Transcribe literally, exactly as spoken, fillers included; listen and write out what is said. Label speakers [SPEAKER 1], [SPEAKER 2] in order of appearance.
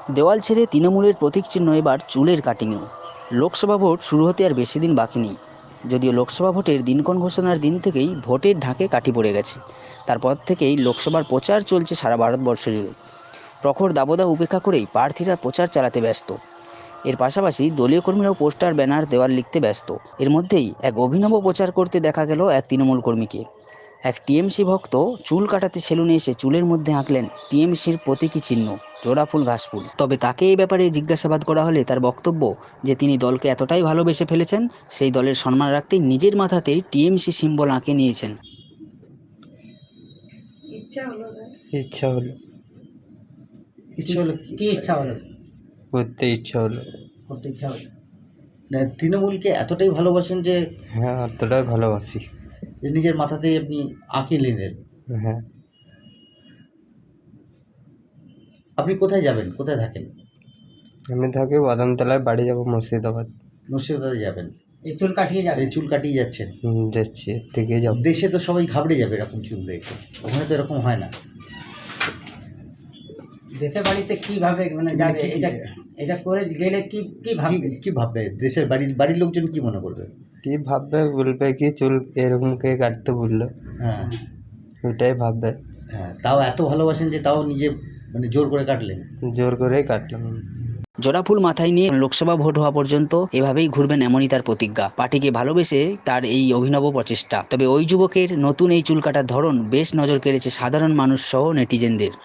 [SPEAKER 1] দেওয়াল ছেড়ে তৃণমূলের প্রতীক চিহ্ন এবার চুলের কাটিংও। লোকসভা ভোট শুরু হতে আর বেশি দিন বাকি নেই। যদিও লোকসভা ভোটের দিনক্ষণ ঘোষণার দিন থেকেই ভোটের ঢাকে কাঠি পড়ে গেছে, তারপর থেকেই লোকসভার প্রচার চলছে সারা ভারতবর্ষ জুড়ে। প্রখর দাবদাহ উপেক্ষা করেই প্রার্থীরা প্রচার চালাতে ব্যস্ত। এর পাশাপাশি দলীয় কর্মীরাও পোস্টার, ব্যানার, দেওয়াল লিখতে ব্যস্ত। এর মধ্যেই এক অভিনব প্রচার করতে দেখা গেল এক তৃণমূল কর্মীকে। এক টিএমসি ভক্ত চুল কাটাতে সেলুনে এসে চুলের মধ্যে আঁকলেন টিএমসির প্রতীকী চিহ্ন, জোড়া ফুল, ঘাসফুল। তবে তাকে এই ব্যাপারে জিজ্ঞাসাবাদ করা হলে তার বক্তব্য যে তিনি দলকে এতটাই ভালোবেসে ফেলেছেন, সেই দলের সম্মান রাখতেই নিজের মাথাতেই টিএমসি সিম্বল আঁকে নিয়েছেন।
[SPEAKER 2] ইচ্ছা হলো না।
[SPEAKER 3] ইচ্ছা হলো
[SPEAKER 4] ইচ্ছা হলো
[SPEAKER 2] কি ইচ্ছা হলো?
[SPEAKER 3] করতে ইচ্ছা হলো।
[SPEAKER 2] করতে ইচ্ছা হলো।
[SPEAKER 4] না, তৃণমূলকে এতটাই ভালোবাসেন যে
[SPEAKER 3] হ্যাঁ, অতটাই ভালোবাসি।
[SPEAKER 4] যে নিজের মাথাতেই আপনি আঁকিয়ে নিলেন।
[SPEAKER 3] হ্যাঁ,
[SPEAKER 4] আপনি কোথায় যাবেন, কোথায় থাকেন?
[SPEAKER 3] আমি থাকি বাদামতলায়, বাড়ি যাবো মুর্শিদাবাদ।
[SPEAKER 4] মুর্শিদাবাদে যাবেন?
[SPEAKER 2] এই চুল কাটিয়ে যাবে?
[SPEAKER 4] এই চুল কাটিয়ে যাচ্ছেন?
[SPEAKER 3] হুম, যাচ্ছি, এর থেকে যাবো।
[SPEAKER 4] দেশে তো সবাই ঘাবড়ে যাবে এরকম চুল দেখে, ওখানে তো এরকম হয় না।
[SPEAKER 2] দেশের বাড়িতে কি ভাবে মানে যাবে?
[SPEAKER 4] কি-
[SPEAKER 2] এটা এটা করে গেলে কি কি ভাববে?
[SPEAKER 4] কি- কি ভাববে দেশের বাড়ির বাড়ির লোকজন কি মনে করবে?
[SPEAKER 3] কি ভাববে, বলবে কি চুল এরকম কে কাটতে বললো,
[SPEAKER 4] হ্যাঁ
[SPEAKER 3] ওইটাই ভাববে।
[SPEAKER 4] হ্যাঁ, তাও এত ভালোবাসেন যে তাও নিজে মানে জোর করে কাটলেন।
[SPEAKER 3] জোর করেই কাটলাম।
[SPEAKER 1] জোড়া ফুল মাথায় নিয়ে লোকসভা ভোট হওয়া পর্যন্ত এভাবেই ঘুরবেন, এমনই তার প্রতিজ্ঞা। পার্টিকে ভালোবেসে তার এই অভিনব প্রচেষ্টা। তবে ওই যুবকের নতুন এই চুল কাটার ধরন বেশ নজর কেড়েছে সাধারণ মানুষ সহ নেটিজেনদের।